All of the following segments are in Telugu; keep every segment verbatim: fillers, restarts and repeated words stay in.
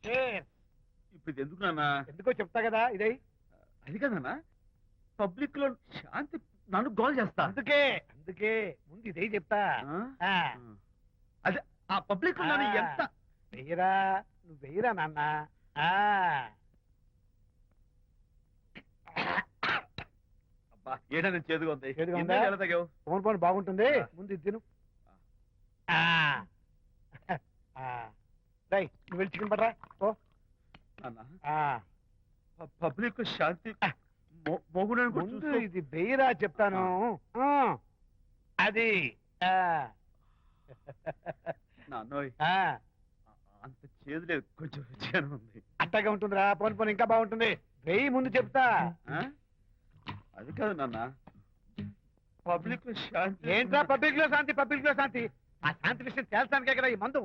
ఇప్పుడు ఇది ఎందుకు నాన్న? ఎందుకో చెప్తా కదా ఇదే. అది కదన్నా, పబ్లిక్ లో శాంతి నన్ను గోల్ చేస్తా. అందుకే అందుకే ముందు ఇదే చెప్తా. అదే ఆ పబ్లిక్ లో నన్ను ఎంత వెయ్యరా, నువ్వు వెయ్యరా నాన్న. అబ్బా ఏడా నేను చేదుగా ఉంది. చేదుగా ఉందా? ఎలా తగ్గావు? ఫోన్ ఫోన్ బాగుంటుంది, ముందు ఇది తిను. నువ్వు వెళ్ళి చికెన్ పట్టరా ఓ పబ్లిక్ శాంతి ముందు ఇది వెయ్యరా చెప్తాను. అది నాన్నోయ్ అంత చేదు లేదు, కొంచెం రుచిగానే ఉంది. అట్టగా ఉంటుందిరా, పోను పోను ఇంకా బాగుంటుంది. వెయ్యి ముందు చెప్తా. అది కాదు నాన్న, పబ్లిక్ లో శాంతి. ఏంట్రా పబ్లిక్ లో శాంతి? పబ్లిక్ లో శాంతి ఆ శాంతి విషయం తేల్చడానికే కదా ఈ మందు.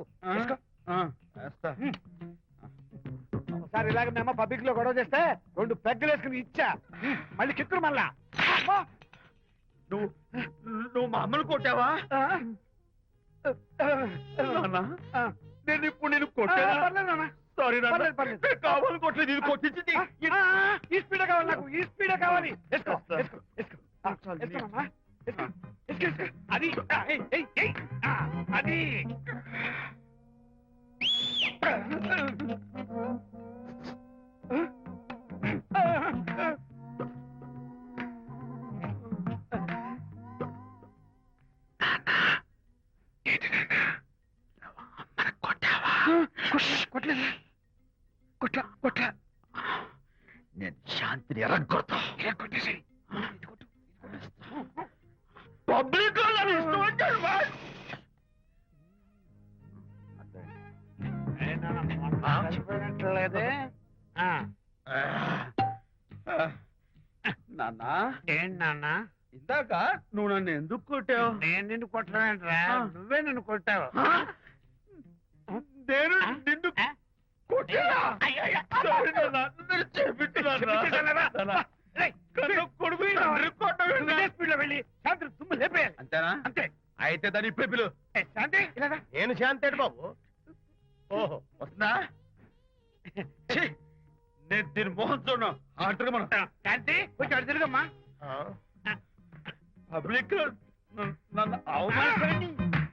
ఒకసారి ఇలాగ మేము పబ్లిక్ లో గొడవ చేస్తే రెండు పెగ్గలు వేసుకుని ఇచ్చా, మళ్ళీ కిక్కురు మళ్ళా. నువ్వు నువ్వు మా అమ్మను కొట్టావా? నేను ఇప్పుడు నేను కొట్టాను. సారీ కావాలి కొట్టలేదు, ఇది కొట్టించింది. ఈ స్పీడ్ కావాలి నాకు, ఈ స్పీడ్ కావాలి. వేసుకో వేసుకో వేసుకో వేసుకోమమ్మా, వేసుకో వేసుకో వేసుకో. అది అది కొట్టలేదు కొట్ల కొట్ల నేను శాంతిని ఎరగొడతా. కొట్టేసి పబ్లిక్ చనిపోయినట్లేదే. నాన్న ఏంటి నాన్న? ఇందాక నువ్వు నన్ను ఎందుకు కొట్టావు? నేను నిన్ను కొట్టలేంట్రా, నువ్వే నన్ను కొట్టావు. నేను నిన్ను అంతేనా? అంతే. అయితే దాని ఇప్పుడే పిలు. శాంతి నేను శాంతి అంటే బాబు. ఓహో వస్తుందా? నేను దీని మోహన్ చూడను. ఆర్డర్ మనం శాంతి కొంచెం అడు తిరుగమ్మా. పబ్లిక్ నన్ను అవమానించండి.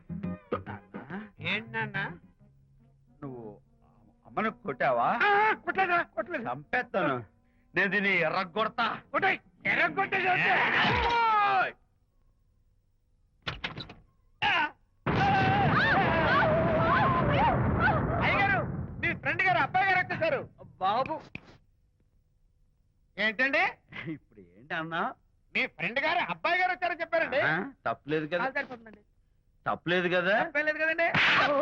ఏంటన్నా నువ్వు అమ్మను కొట్టావా? కొట్టలేదా? కొట్టలేదు. చంపేస్తాను నేను, దీన్ని ఎర్రగొడతా. కొట్టాయి ఎర్రగొట్టే. అయ్యగారు, మీ ఫ్రెండ్ గారు అబ్బాయి గారు వచ్చేసారు. బాబు ఏంటండి ఇప్పుడు ఏంటి అన్నా? మీ ఫ్రెండ్ గారు అబ్బాయి గారు వచ్చారని చెప్పారండి. తప్పలేదు కదా? తప్పలేదు కదా? తప్పలేదు కదండి.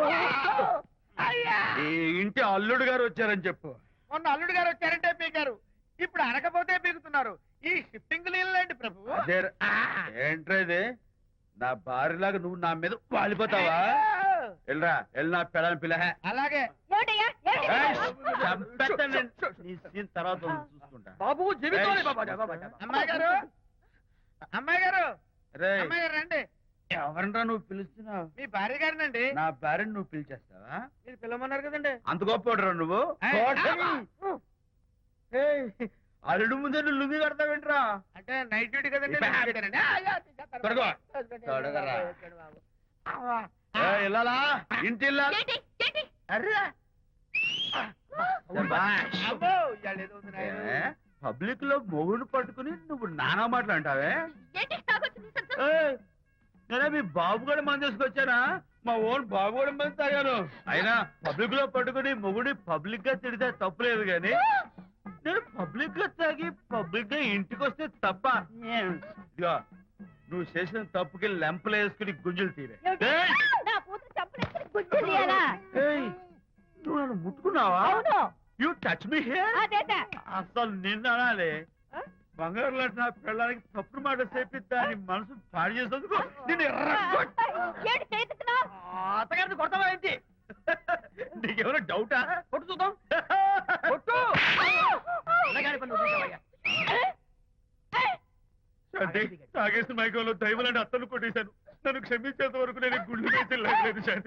ఈ ఇంటి అల్లుడు గారు వచ్చారని చెప్పు. మొన్న అల్లుడు గారు వచ్చారంటే పీకారు, ఇప్పుడు అనకపోతే పీకుతున్నారు. ఈ షిఫ్టింగ్ లీలండి ప్రభు. ఏంట్రా ఇది? నా భార్యలాగా నువ్వు నా మీద వాలిపోతావా? వెళ్ళరా, వెళ్ళి నా పిల్లని పిల్ల. అలాగే తర్వాత చూసుకుంటా. బాబు జీవితం. అమ్మాయి గారు, అమ్మాయి గారు, అమ్మాయి గారు రండి. ఎవరంటా నువ్వు పిలుస్తున్నావు? మీ భార్య గారినండి. నా భార్యను నువ్వు పిలిచేస్తావా? మీరు పిలవమన్నారు కదండి. అంత గొప్ప నువ్వు? అల్లుడు ముందే నువ్వు లుంగి కడతావేంట్రా? అంటే నైట్ డ్యూటీ కదండి. వెళ్ళాలా? ఇంటి వెళ్ళాలి. పబ్లిక్ లో మొగుడు పట్టుకుని నువ్వు నానా మాటలు అంటావే? నేనే మీ బాబు కూడా మంది తీసుకొచ్చానా? మా ఓన్ బాబు కూడా మంది తాగాను. అయినా పబ్లిక్ లో పట్టుకుని మొగుడి పబ్లిక్ గా తిడితే తప్పులేదు గాని, నేను పబ్లిక్ గా తాగి పబ్లిక్ గా ఇంటికి వస్తే తప్ప. ఇదిగో నువ్వు చేసిన తప్పుకి లెంపలు వేసుకుని గుంజులు తీరే. నువ్వు నన్ను ముట్టుకున్నావా? You touch me here. అసలు నిన్న అనాలి. బంగారు లాంటి నా పిల్లలకి తప్పుడు మాట చెప్పిద్దా అని మనసు పాడు చేసేందుకు నేను అత్తగారిని కొడతావా ఏంటి? నీకేమైనా డౌటా? కొట్టు చూద్దాం. కొట్టు. తాగేసిన మైకంలో దైవలాంటి అత్తను కొట్టేశాను. నన్ను క్షమించేంత వరకు నేను గుళ్ళు వేసి లేదు శాంతి.